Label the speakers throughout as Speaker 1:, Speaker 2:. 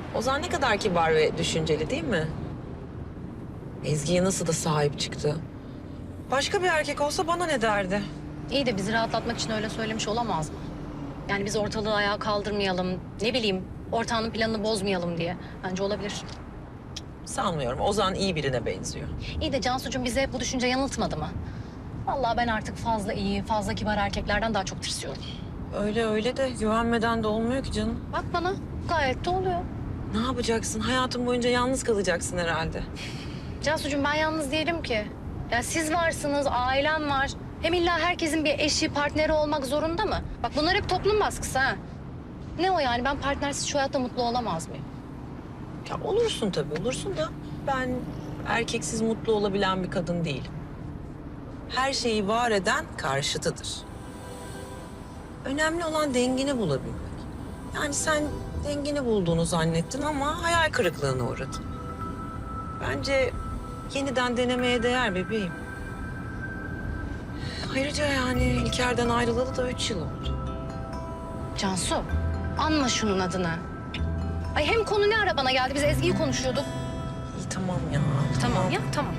Speaker 1: Ozan ne kadar kibar ve düşünceli değil mi? Ezgi'ye nasıl da sahip çıktı. Başka bir erkek olsa bana ne derdi?
Speaker 2: İyi de bizi rahatlatmak için öyle söylemiş olamaz mı? Yani biz ortalığı ayağa kaldırmayalım, ne bileyim ortağının planını bozmayalım diye. Bence olabilir.
Speaker 1: Sanmıyorum. Ozan iyi birine benziyor.
Speaker 2: İyi de Cansucuğum bize bu düşünce yanıltmadı mı? Vallahi ben artık fazla iyi, fazla kibar erkeklerden daha çok tırsıyorum.
Speaker 1: Öyle de güvenmeden de olmuyor ki canım.
Speaker 2: Bak bana gayet de oluyor.
Speaker 1: Ne yapacaksın? Hayatın boyunca yalnız kalacaksın herhalde.
Speaker 2: Cansucuğum ben yalnız değilim ki. Ya siz varsınız, ailem var. Hem illa herkesin bir eşi, partneri olmak zorunda mı? Bak bunlar hep toplum baskısı ha. Ne o yani ben partnersiz şu hayatta mutlu olamaz mıyım?
Speaker 1: Ya olursun tabii, olursun da ben erkeksiz mutlu olabilen bir kadın değilim. Her şeyi var eden karşıtıdır. Önemli olan dengini bulabilmek. Yani sen dengini bulduğunu zannettin ama hayal kırıklığına uğradın. Bence yeniden denemeye değer bebeğim. Ayrıca yani İlker'den ayrılalı da 3 yıl oldu.
Speaker 2: Cansu, anma şunun adını. Ay hem konu ne ara bana geldi? Biz Ezgi'yi konuşuyorduk.
Speaker 1: İyi tamam ya.
Speaker 2: Tamam ya, tamam.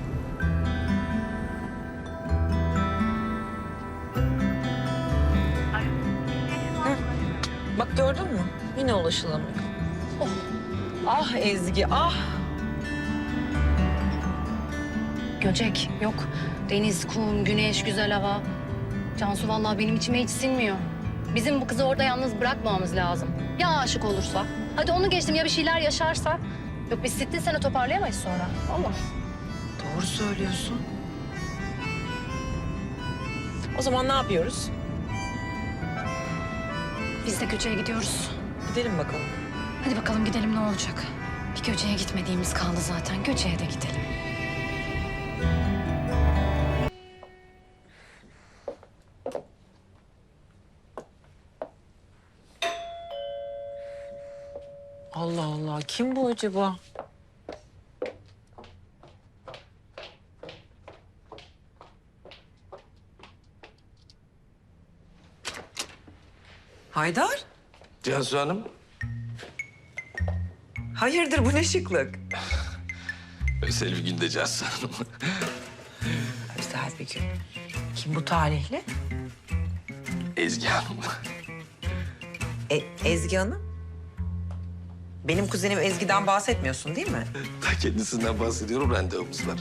Speaker 1: Bak gördün mü? Yine ulaşılamıyor.
Speaker 2: Oh.
Speaker 1: Ah Ezgi, ah.
Speaker 2: Göcek yok. Deniz, kum, güneş, güzel hava. Cansu vallahi benim içime hiç sinmiyor. Bizim bu kızı orada yalnız bırakmamamız lazım. Ya aşık olursa? Hadi onu geçtim ya bir şeyler yaşarsa? Yok biz sittin sene toparlayamayız sonra. Allah.
Speaker 1: Doğru söylüyorsun. O zaman ne yapıyoruz?
Speaker 2: Biz de Göcek'e gidiyoruz.
Speaker 1: Gidelim bakalım.
Speaker 2: Hadi bakalım gidelim ne olacak? Bir Göcek'e gitmediğimiz kaldı zaten. Göcek'e de gidelim.
Speaker 1: Allah Allah, kim bu acaba? Haydar?
Speaker 3: Cansu Hanım.
Speaker 1: Hayırdır bu ne şıklık?
Speaker 3: Özel bir günde Cansu Hanım.
Speaker 1: Özel bir gün. Kim bu talihli?
Speaker 3: Ezgi Hanım.
Speaker 1: Ezgi Hanım. Benim kuzenim Ezgi'den bahsetmiyorsun değil mi?
Speaker 3: Ta kendisinden bahsediyorum, randevumuz var.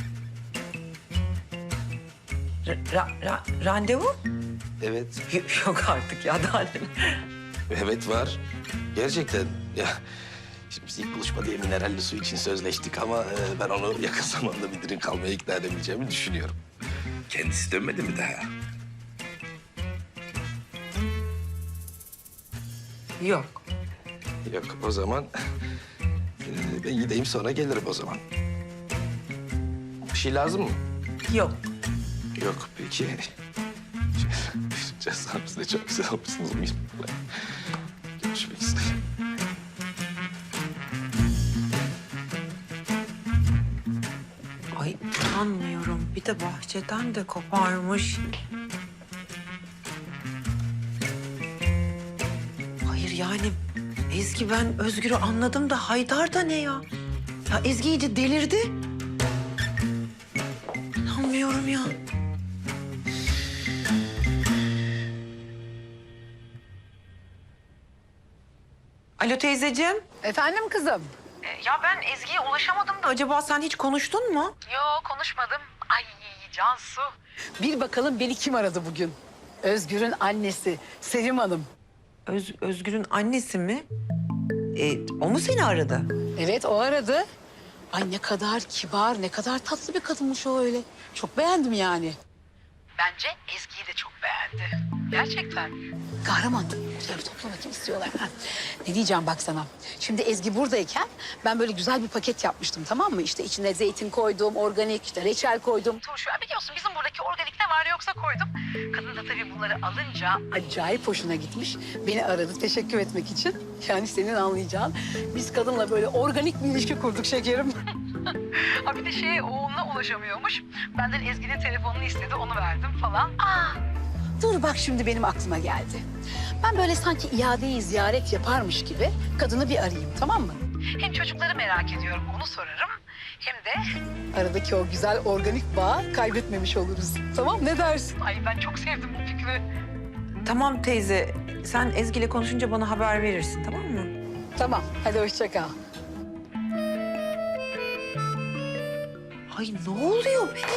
Speaker 1: Randevu?
Speaker 3: Evet,
Speaker 1: Yok artık ya daha ne?
Speaker 3: evet var. Gerçekten ya... Şimdi biz ilk buluşmada mineralli su için sözleştik ama ben onu yakın zamanda bir drink almaya ikna edebileceğimi düşünüyorum. Kendisi dönmedi mi daha?
Speaker 1: Yok.
Speaker 3: Yok, o zaman ben gideyim sonra gelirim o zaman. Bir şey lazım mı?
Speaker 1: Yok.
Speaker 3: Yok, peki. Cansu Hanım, siz de çok güzel olmuşsunuz. Görüşmek üzere.
Speaker 1: Ay inanmıyorum. Bir de bahçeden de koparmış. Hayır yani Ezgi ben Özgür'ü anladım da Haydar da ne ya? Ya Ezgi iyice delirdi. İnanmıyorum ya. Alo teyzeciğim.
Speaker 4: Efendim kızım?
Speaker 1: Ya ben Ezgi'ye ulaşamadım da acaba sen hiç konuştun mu?
Speaker 4: Yok konuşmadım. Ay Cansu. Bir bakalım beni kim aradı bugün? Özgür'ün annesi Sevim Hanım.
Speaker 1: Özgür'ün annesi mi? O mu seni aradı?
Speaker 4: Evet o aradı. Ay ne kadar kibar, ne kadar tatlı bir kadınmış o öyle. Çok beğendim yani. Bence Ezgi'yi de çok beğendi. Gerçekten. Kahraman. Şöyle bir topla bakayım istiyorlar. Ha. Ne diyeceğim bak sana. Şimdi Ezgi buradayken ben böyle güzel bir paket yapmıştım tamam mı? İşte içine zeytin koydum, organik işte reçel koydum. Turşu. Biliyorsun bizim buradaki organik ne var yoksa koydum. Kadın da tabii bunları alınca acayip hoşuna gitmiş. Beni aradı teşekkür etmek için. Yani senin anlayacağın biz kadınla böyle organik bir ilişki kurduk şekerim. Ha bir de oğluna ulaşamıyormuş. Benden Ezgi'nin telefonunu istedi, onu verdim falan. Dur bak şimdi benim aklıma geldi. Ben böyle sanki iadeyi ziyaret yaparmış gibi kadını bir arayayım tamam mı? Hem çocukları merak ediyorum, onu sorarım. Hem de aradaki o güzel organik bağı kaybetmemiş oluruz. Tamam, ne dersin? Ay ben çok sevdim bu fikri.
Speaker 1: Tamam teyze, sen Ezgi ile konuşunca bana haber verirsin, tamam mı?
Speaker 4: Tamam, hadi hoşça kal.
Speaker 1: Ay ne oluyor be?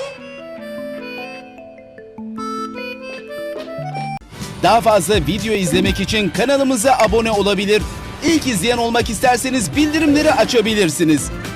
Speaker 5: Daha fazla video izlemek için kanalımıza abone olabilir. İlk izleyen olmak isterseniz bildirimleri açabilirsiniz.